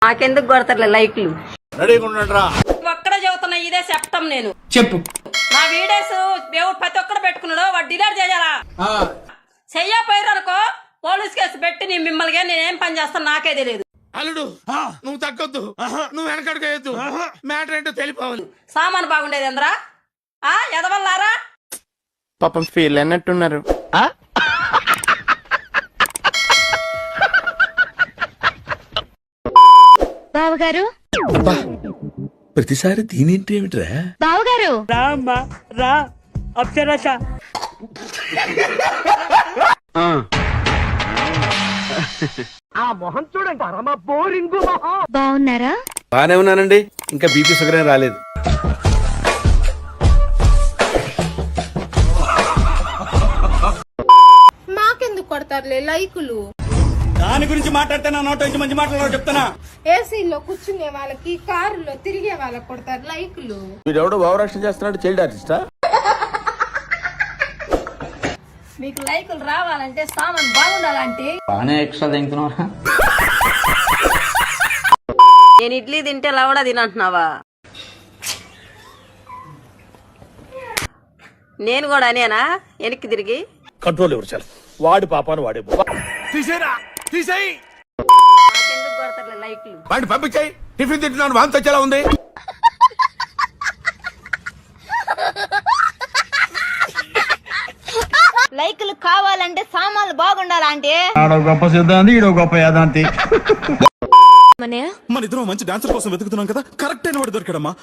నాకెందుకు కొడతారులే లైక్లు. ఒక్కడే చెబుతున్నా, ఇదే చెప్తాం నేను. చెప్పు. నా వీడియోస్ దేవుడు ప్రతి ఒక్కడు పెట్టుకున్నాడు, వాడు డిలీట్ చేయాలా? చెయ్యపోయారు అనుకో పోలీస్ కేసు పెట్టి మిమ్మల్ని నేనేం పని చేస్తాను నాకే తెలియదు. అల్లుడు నువ్వు తగ్గొద్దు, నువ్వు వెనకడుగేయద్దు, మ్యాటర్ ఏంటో తెలిపోవాలి. సామాను బాగుండేది ఎంద్రా ఎదవల్లారా? పాపం ఫీల్ అన్నట్టున్నారు. బావగారు, ప్రతిసారి దీనింటి ఏమిట్రా? బావగారు రా అప్సరస. ఆ మొహం చూడండి, పరమ బోరింగు మొహం. బాగున్నారా? బానే ఉన్నానండి, ఇంకా బీపీ షుగర్ ఏం రాలేదు. మాకెందుకు కొడతారులే లైకులు? దాని గురించి మాట్లాడితే నా నోట నుంచి మంచి మాట్లాడారు చెప్తానా. ఏసీలో కూర్చునే వాళ్ళకి, కారులో తిరిగే వాళ్ళకి కొడతారు లైకులు. వీడెవడో భావరక్షణ చేస్తున్నాడు, చైల్డ్ ఆర్టిస్టా? మీకు లైకులు రావాలంటే సామాన్ బాగుండాలంటే ఎక్స్ట్రా తింటున్నారా? నేను ఇడ్లీ తింటే లవడా తినంటున్నావా? నేను కూడా అనేనా వెనక్కి తిరిగి? కంట్రోల్ ఎవరు చాలు, వాడి పాపాను వాడే. తీసేరా, తీసేయి. నాకెందుకు కొడతారులే లైక్లు. వాడిని పంపించాయి. టిఫిన్ తింటున్నాను, వాంతి వచ్చేలా ఉంది. లైకులు కావాలంటే సామాన్లు బాగుండాలంటే ఆడో గొప్ప సిద్ధాంతి, ఈడో గొప్ప యాదాంతి. మన ఇద్దరం మంచి డాన్సర్ కోసం వెతుకుతున్నాం కదా, కరెక్ట్ అయిన వాడు దొరికాడమ్మా.